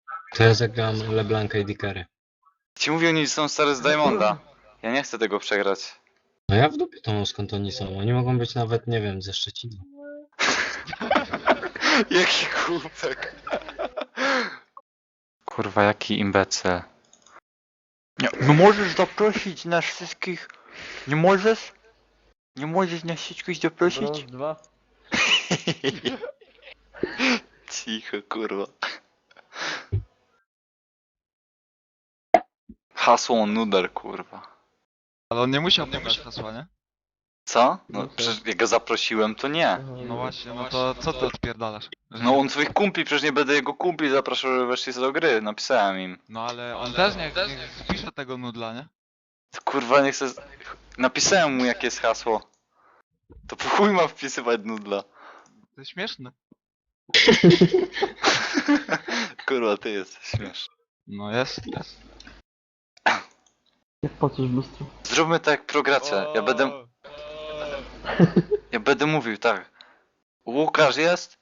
To ja zagram LeBlanca i Dickery. Ci mówią, oni są stare z Diamonda. Ja nie chcę tego przegrać. No ja w dupie to mam, skąd oni są. Oni mogą być nawet, nie wiem, ze Szczecina. Jaki głupek. Kurwa, jaki imbecyl. Nie możesz zaprosić nas wszystkich. Nie możesz? Nie możesz nas wszystkich zaprosić? Brąz 2. Cicho, kurwa. Hasło nuder, kurwa. Ale on nie musiał podać hasła, nie? Co? No Muszę. przecież jak go zaprosiłem, to nie. No właśnie, no to co ty odpierdalasz? Że No nie- on swoich kumpli, przecież nie będę jego kumpli zapraszał, żeby weszli do gry. Napisałem im. No ale on też niech wpisze tego nudla, nie? To kurwa nie chcę... Napisałem mu jakie jest hasło. To po chuj ma wpisywać nudla. To jest śmieszne. Kurwa, ty jesteś śmieszny. No jest. Jak patrzysz w lustro. Zróbmy tak jak progracze. Ja będę mówił, tak. Łukasz jest?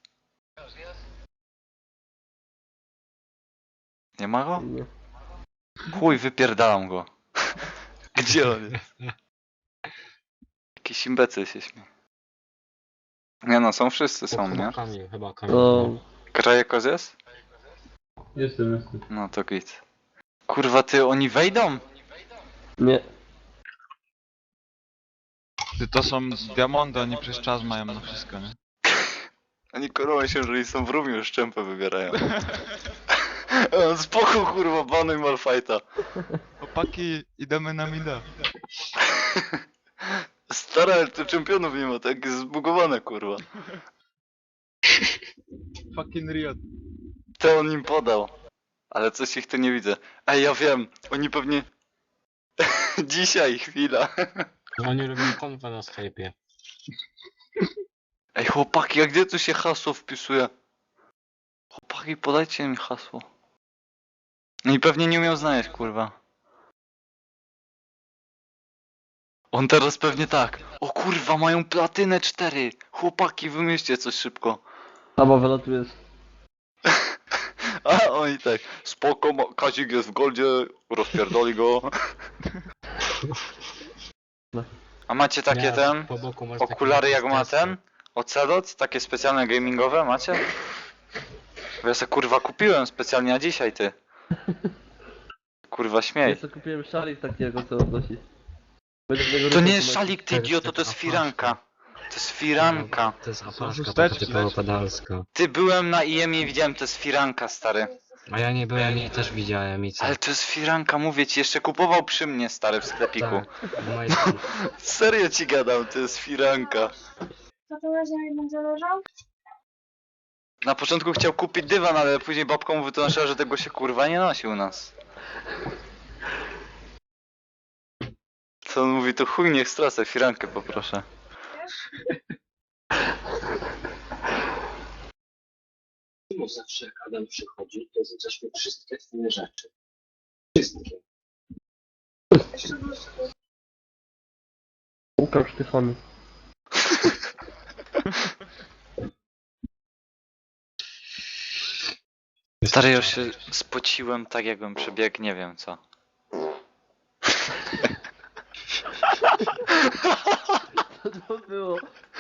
Nie ma go? Nie. Chuj, wypierdalam go. Gdzie on jest? Jakiś imbecyl się śmieje. Nie no, są wszyscy są, nie? Chyba Kamil. To... Krajekos jest? Jestem. No to git. Kurwa, ty, oni wejdą? Nie. Ty to są diamondy, oni przez czas mają na wszystko, nie? Oni kurwa się, że oni są w rumie, już szczępę wybierają. Spoko kurwa, banuj Malfighta. Chłopaki, idziemy na mida. Stara, ale tu czempionów nie ma, tak jest zbugowane kurwa. Fucking Riot. To on im podał. Ale coś ich tu nie widzę. Ej, ja wiem, oni pewnie... Dzisiaj, chwila. No oni robią konwę na Skype'ie. Ej, chłopaki, a gdzie tu się hasło wpisuje? Chłopaki, podajcie mi hasło. No i pewnie nie umiał znaleźć, kurwa. On teraz pewnie tak. O kurwa, mają platynę 4. Chłopaki, wymyślcie coś szybko. Albo wylatujesz. A oni tak. Spoko, Kazik jest w goldzie, rozpierdoli go. A macie takie Nie, ten? po boku masz Okulary takie jak ma testy. ten? Ocelot? Takie specjalne gamingowe macie? Bo ja se kurwa kupiłem specjalnie na dzisiaj, ty. Kurwa Ja śmiej. sobie kupiłem szalik takiego, co odnosi. Będę tego To ruchu nie jest tłumaczyć. szalik, ty idioto, to jest firanka. To jest firanka. To jest apaszka, chusteczki, taka typowo pedalska. Ty, byłem na IEM i widziałem, to jest firanka, stary. A ja nie byłem i też widziałem i co? Ale to jest firanka, mówię ci, jeszcze kupował przy mnie, stary, w sklepiku. Tak, w majtku. Serio ci gadam, to jest firanka. To to razie będzie leżał? Na początku chciał kupić dywan, ale później babka mu wytłumaczyła, że tego się kurwa nie nosi u nas. Co on mówi, to chuj niech stracę, firankę poproszę. Czemu zawsze jak Adam przychodzi, to zniszczmy wszystkie twoje rzeczy? Wszystkie. Łukasz Tyfony. Stary, ja się spociłem tak jakbym przebiegł, nie wiem co. Co to było?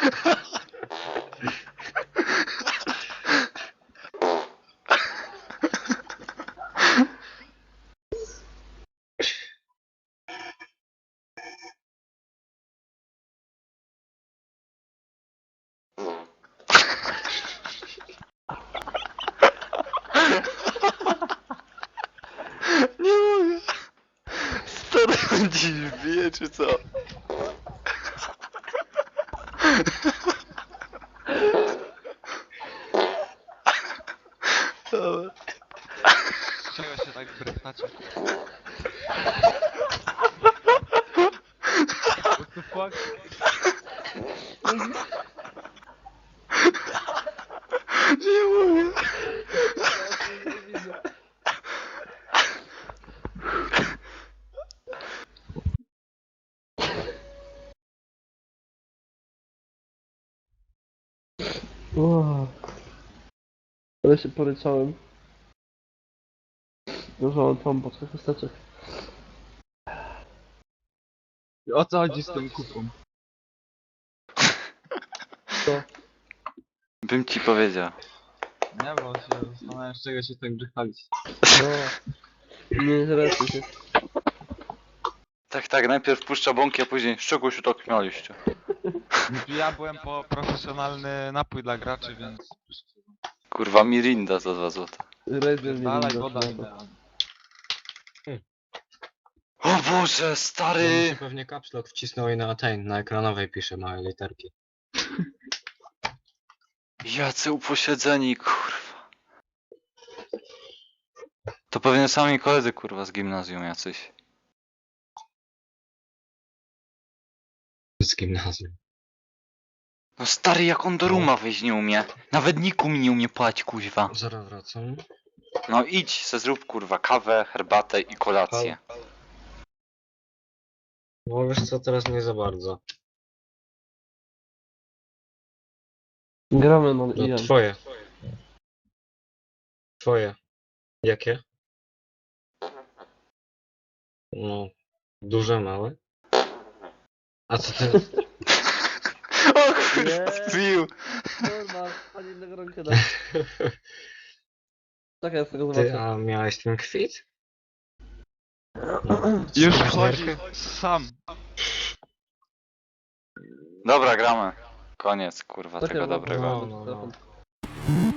Nie mogę. Stary, on dziś wbije, czy co? Dobra. Czego się tak brechtacie? What the fuck? Nie mogę. Wow. Ale się poryczałem. Dużo tam po trzech chusteczek. O co chodzi z tą kupą? Bym ci powiedział. Nie, bo się zastanawiam, z czego się tak grzechalić. No. Nie interesuj się. Tak, najpierw puszcza bąki, a później z czego się tak śmialiście? Ja byłem po profesjonalny napój dla graczy, więc... Kurwa, Mirinda za 2 zł. Razer nie Dalej, wiem, woda co to. idealna. O Boże, No mi się stary! pewnie caps lock wcisnął i na ten, na ekranowej pisze małe literki. Jacy uposiedzeni, kurwa. To pewnie sami koledzy, kurwa, z gimnazjum jacyś. Z gimnazjum. No stary, jak on do ruma wejść nie umie. Nawet niku mi nie umie płać, kuźwa. Zaraz wracam. No idź, se zrób, kurwa, kawę, herbatę i kolację. Bo wiesz co, teraz nie za bardzo. Gramy na No IM. twoje. Twoje. Jakie? No, duże, małe? A co ty? O kurwa, Nie. zbił! Kurwa, ani innego rękę da. Czekaj, ja z tego Ty, zobaczę. a miałeś ten kwit? Już Zrobisz wchodzi nerkę? sam. Dobra, gramy. Koniec, kurwa, Czekaj, tego bo- dobrego. No. telefon.